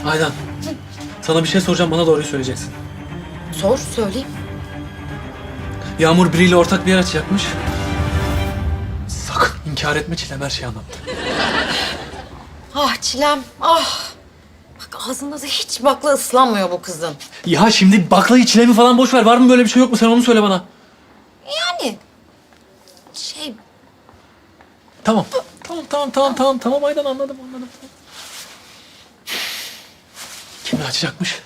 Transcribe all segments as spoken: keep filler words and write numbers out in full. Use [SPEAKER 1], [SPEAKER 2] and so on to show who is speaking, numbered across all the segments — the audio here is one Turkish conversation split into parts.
[SPEAKER 1] Aydan. Sana bir şey soracağım, bana doğruyu söyleyeceksin.
[SPEAKER 2] Sor, söyleyeyim.
[SPEAKER 1] Yağmur biriyle ortak bir yer açacakmış. Sakın inkar etme Çilem, her şeyi anlattı.
[SPEAKER 2] Ah Çilem, ah. Bak ağzında da hiç bakla ıslanmıyor bu kızın.
[SPEAKER 1] Ya şimdi baklayı Çilem'i falan boş ver. Var mı böyle bir şey yok mu? Sen onu söyle bana.
[SPEAKER 2] Yani şey
[SPEAKER 1] Tamam. Tamam tamam tamam tamam tamam Aydan, anladım anladım. Kimle açacakmış?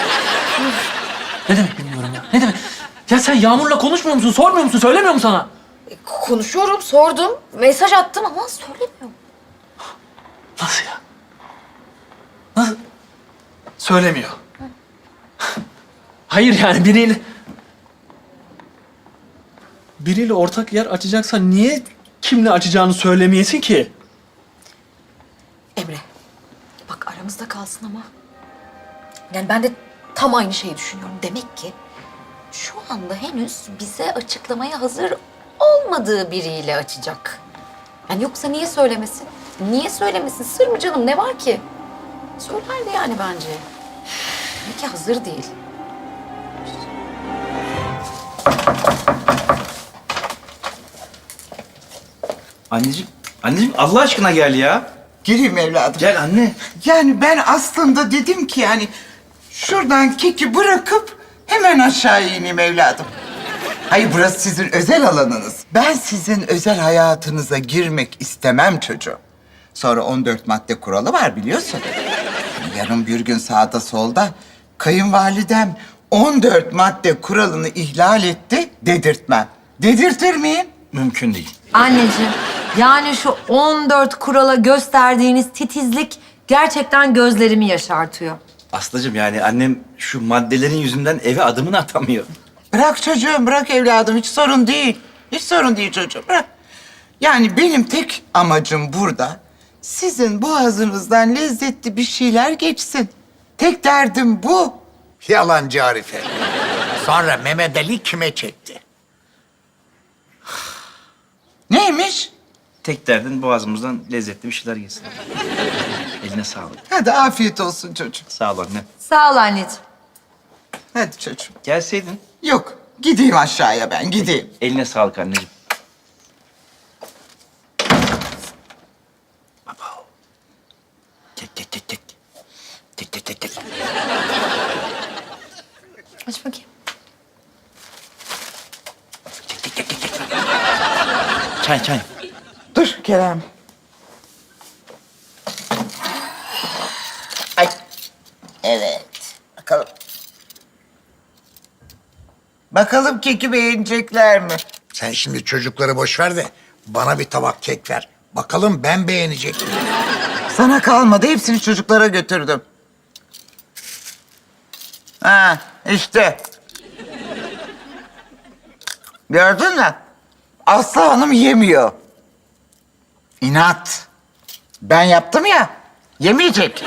[SPEAKER 1] Ne demek bilmiyorum ya. Ne demek? Ya sen Yağmur'la konuşmuyor musun? Sormuyor musun? Söylemiyor mu sana?
[SPEAKER 2] e, konuşuyorum, sordum, mesaj attım ama söylemiyorum.
[SPEAKER 1] Nasıl ya? Nasıl? Söylemiyor. Hayır yani biriyle... Biriyle ortak yer açacaksa niye kimle açacağını söylemeyesin ki?
[SPEAKER 2] Emre, bak aramızda kalsın ama. Yani ben de tam aynı şeyi düşünüyorum. Demek ki şu anda henüz bize açıklamaya hazır olmadığı biriyle açacak. Yani yoksa niye söylemesin? Niye söylemesin? Sır mı canım? Ne var ki? Söylerdi yani bence. Demek ki hazır değil.
[SPEAKER 3] Anneciğim, anneciğim Allah aşkına gel ya.
[SPEAKER 4] Gireyim evladım.
[SPEAKER 3] Gel anne.
[SPEAKER 4] Yani ben aslında dedim ki yani şuradan keki bırakıp hemen aşağı ineyim evladım. Hayır, burası sizin özel alanınız. Ben sizin özel hayatınıza girmek istemem çocuğum. Sonra on dört madde kuralı var biliyorsun. Yarın bir gün sağda solda kayınvalidem on dört madde kuralını ihlal etti dedirtmem. Dedirtir miyim?
[SPEAKER 3] Mümkün değil.
[SPEAKER 5] Anneciğim, yani şu on dört kurala gösterdiğiniz titizlik gerçekten gözlerimi yaşartıyor.
[SPEAKER 3] Aslıcığım yani annem şu maddelerin yüzünden eve adımını atamıyor.
[SPEAKER 4] Bırak çocuğum, bırak evladım. Hiç sorun değil. Hiç sorun değil çocuğum, bırak. Yani benim tek amacım burada sizin boğazınızdan lezzetli bir şeyler geçsin. Tek derdim bu.
[SPEAKER 6] Yalancı Arife. Sonra Mehmet Ali kime çekti?
[SPEAKER 4] Neymiş?
[SPEAKER 3] Tek derdin boğazımızdan lezzetli bir şeyler yesin. Eline sağlık.
[SPEAKER 4] Hadi afiyet olsun çocuğum.
[SPEAKER 3] Sağ ol anne.
[SPEAKER 5] Sağ ol anneciğim.
[SPEAKER 4] Hadi çocuğum.
[SPEAKER 3] Gelseydin.
[SPEAKER 4] Yok, gideyim aşağıya ben, gideyim.
[SPEAKER 3] Eline sağlık anneciğim. Baba. Tek tek tek tek. Tek tek tek tek.
[SPEAKER 2] Aç bakayım.
[SPEAKER 3] Tek tek tek tek tek. Çay çay.
[SPEAKER 4] Dur Kerem. Ay. Evet. Bakalım. Bakalım keki beğenecekler mi?
[SPEAKER 6] Sen şimdi çocukları boş ver de bana bir tabak kek ver. Bakalım ben beğenecek miyim?
[SPEAKER 4] Sana kalmadı. Hepsini çocuklara götürdüm. Ha, işte. Gördün mü? Aslı Hanım yemiyor. İnat. Ben yaptım ya. Yemeyecek.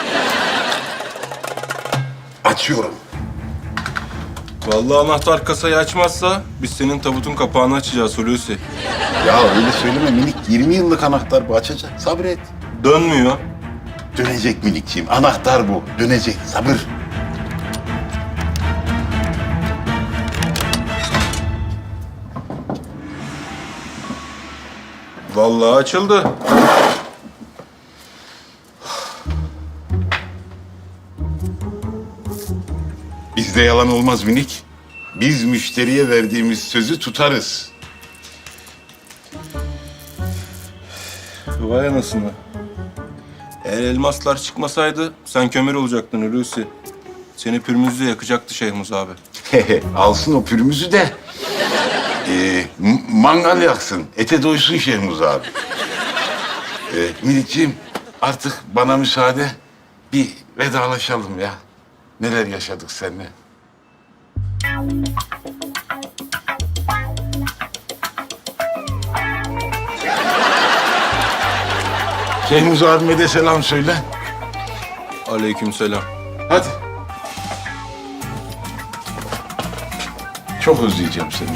[SPEAKER 6] Açıyorum.
[SPEAKER 7] Vallahi anahtar kasayı açmazsa biz senin tabutun kapağını açacağız Hulusi.
[SPEAKER 8] Ya öyle söyleme minik. yirmi yıllık anahtar bu, açacak. Sabret.
[SPEAKER 7] Dönmüyor.
[SPEAKER 8] Dönecek minikciğim. Anahtar bu. Dönecek. Sabır.
[SPEAKER 7] Vallahi açıldı.
[SPEAKER 8] Bizde yalan olmaz minik. Biz müşteriye verdiğimiz sözü tutarız.
[SPEAKER 7] Vay anasını. Eğer elmaslar çıkmasaydı sen kömür olacaktın Hulusi. Seni pürmüzle yakacaktı Şehmuz abi.
[SPEAKER 8] Alsın o pürümüzü de. Ee, m- mangal yaksın. Ete doysun Şehmuz abi. Ee, minikciğim artık bana müsaade. Bir vedalaşalım ya. Neler yaşadık seninle. Şehmuz abime de selam söyle.
[SPEAKER 7] Aleykümselam.
[SPEAKER 8] Hadi. Çok özleyeceğim seni.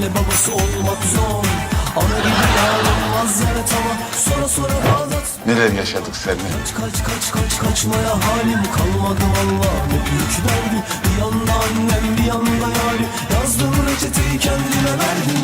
[SPEAKER 9] babası olmak zor. Ana gibi yar olmaz evet ama sonra sonra Bağdat.
[SPEAKER 8] Neler yaşadık seninle.
[SPEAKER 9] Kaç kaç kaç kaç kaçmaya halim kalmadı valla. Ne büyük derdi bir yanda annem bir yanda yari. Yazdım reçeteyi kendime verdim.